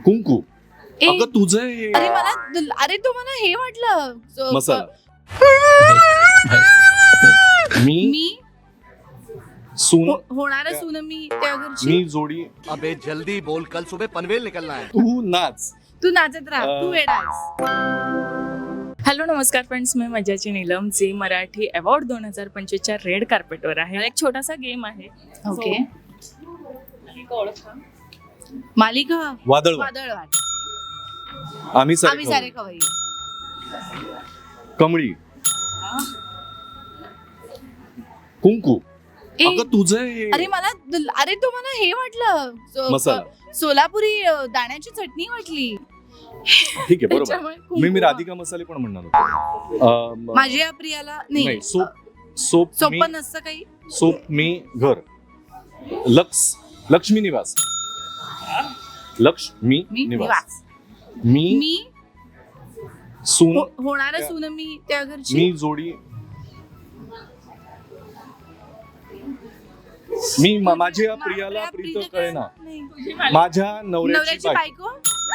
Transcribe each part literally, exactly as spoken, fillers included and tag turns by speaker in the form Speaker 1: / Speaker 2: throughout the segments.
Speaker 1: कुंकू.
Speaker 2: ए,
Speaker 1: अगं तुझं हे
Speaker 2: अरे मला अरे तो मला हे वाटलं ज-
Speaker 1: मसाला. मी
Speaker 2: मी
Speaker 1: सून
Speaker 2: हो- होणारं सून मी त्या घरची.
Speaker 1: मी जोडी
Speaker 3: अबे जल्दी बोल, कल सुबह पनवेल निकलना है.
Speaker 1: तू नाच.
Speaker 2: तू नाचत राहा,
Speaker 1: अं,
Speaker 2: तू वेडा आहेस.
Speaker 4: हॅलो नमस्कार फ्रेंड्स, मी मज्जाची नीलम. झी मराठी अवॉर्ड दोन हजार पंचवीसच्या रेड कार्पेटवर आहे. एक छोटासा गेम आहे.
Speaker 2: ओके.
Speaker 4: एक ओळखा.
Speaker 2: मालिका
Speaker 1: वादळ
Speaker 2: वादळवाट.
Speaker 1: आम्ही सारे
Speaker 2: आम्ही सारे खवई.
Speaker 1: कमळी. कुंकू.
Speaker 2: ए,
Speaker 1: अगं तुझं हे
Speaker 2: अरे मला अरे तो मला हे वाटलं ज-
Speaker 1: मसाला.
Speaker 2: सोलापुरी अ, दाण्याची चटणी वाटली.
Speaker 1: ठीक आहे बरोबर.
Speaker 2: त्याच्यामुळे
Speaker 1: मी मी
Speaker 2: कुंकू.
Speaker 1: राधिका मसाले पण म्हणणार होतो. अं,
Speaker 2: माझी या प्रियाला नाही
Speaker 1: नाही सोप सोप मी
Speaker 2: सोपं नसतं काही.
Speaker 1: सोप मी घर. लक्ष लक्ष्मी निवास. लक्ष्मी
Speaker 2: मी
Speaker 1: निवास.
Speaker 2: निवास.
Speaker 1: मी
Speaker 2: मी
Speaker 1: सून
Speaker 2: हो- होणारं सून मी त्या घरची.
Speaker 1: मी जोडी मी मा- माझ्या
Speaker 2: मा-
Speaker 1: प्रियाला
Speaker 2: प्रिया-
Speaker 1: प्रीत
Speaker 2: प्रीत
Speaker 1: कळेना.
Speaker 2: नाही.
Speaker 1: माझ्या नवऱ्याची
Speaker 2: नवऱ्याची
Speaker 1: बायको.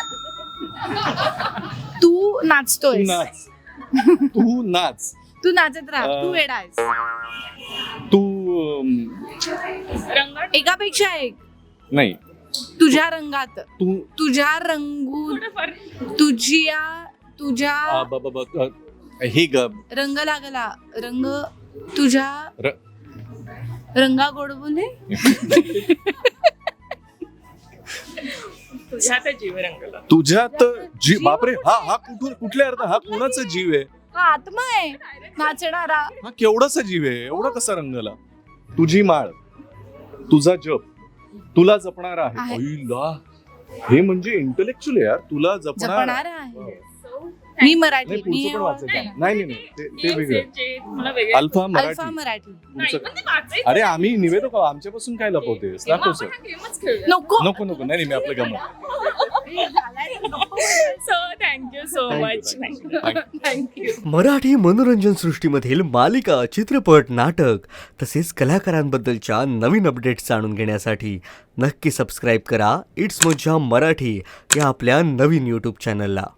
Speaker 2: बायको. तू
Speaker 1: तू
Speaker 2: नाचतोय.
Speaker 1: नाच. तू नाच.
Speaker 2: तू नाचत राहा,
Speaker 1: अं,
Speaker 2: तू वेडा आहेस.
Speaker 1: तू अं,
Speaker 4: रंगाट
Speaker 2: एकापेक्षा एक.
Speaker 1: नाही
Speaker 2: तुझ्या रंगात,
Speaker 1: तू
Speaker 2: तुझ्या रंगू,
Speaker 4: थोडंफार.
Speaker 2: तुझ्या तुझ्या
Speaker 1: आ, ब- ब- ब- अ, हे ग
Speaker 2: रंग लागला रंग तुझ्या
Speaker 1: र-
Speaker 2: रंगा गोड बोले.
Speaker 4: तुझ्यात जीव रंगला.
Speaker 1: तुझ्यात जीव. बापरे, हा हा कुठून कुठल्या अर्थ हा कोणाचा जीव आहे?
Speaker 2: हा आत्मा आहे नाचणारा.
Speaker 1: हा केवढासा जीव आहे? एवढा कसा रंगला? तुझी माळ, तुझा जप, तुला जपणारा आहे.
Speaker 2: आहे.
Speaker 1: अय्ला, हे म्हणजे इंटलेक्च्युअल यार. तुला जपणारा.
Speaker 2: जपणारा आहे. मी मराठी.
Speaker 1: नाही
Speaker 2: मी
Speaker 1: पुढचं पण वाचायचं.
Speaker 4: नाही.
Speaker 1: नाही नाही नाही ते- ते
Speaker 4: हे
Speaker 1: वेगळं.
Speaker 4: जे- जे तुम्हाला वेगळं-
Speaker 1: अल्फा
Speaker 2: अल्फा
Speaker 1: मराठी.
Speaker 2: मराठी.
Speaker 4: नाही,
Speaker 1: पुढचं-
Speaker 4: पण ते वाचायचं.
Speaker 1: अरे आम्ही निवेदक आहोत. आमच्यापासून काय लपवतेस?
Speaker 4: तेव्हा
Speaker 1: दाखव
Speaker 4: आपण
Speaker 1: सर.
Speaker 4: हा गेमच खेळूया.
Speaker 2: नको
Speaker 1: नको नको नाही नाही, मी आपलं गमत.
Speaker 4: So thank you so much.
Speaker 2: Thank you.
Speaker 3: Marathi मनोरंजन सृष्टीमधील मालिका, चित्रपट, नाटक तसेच कलाकारांबद्दलच्या नवीन अपडेट्स जाणून घेण्यासाठी नक्की सबस्क्राईब करा इट्स मज्जा मराठी या आपल्या नवीन यूट्यूब चॅनलला.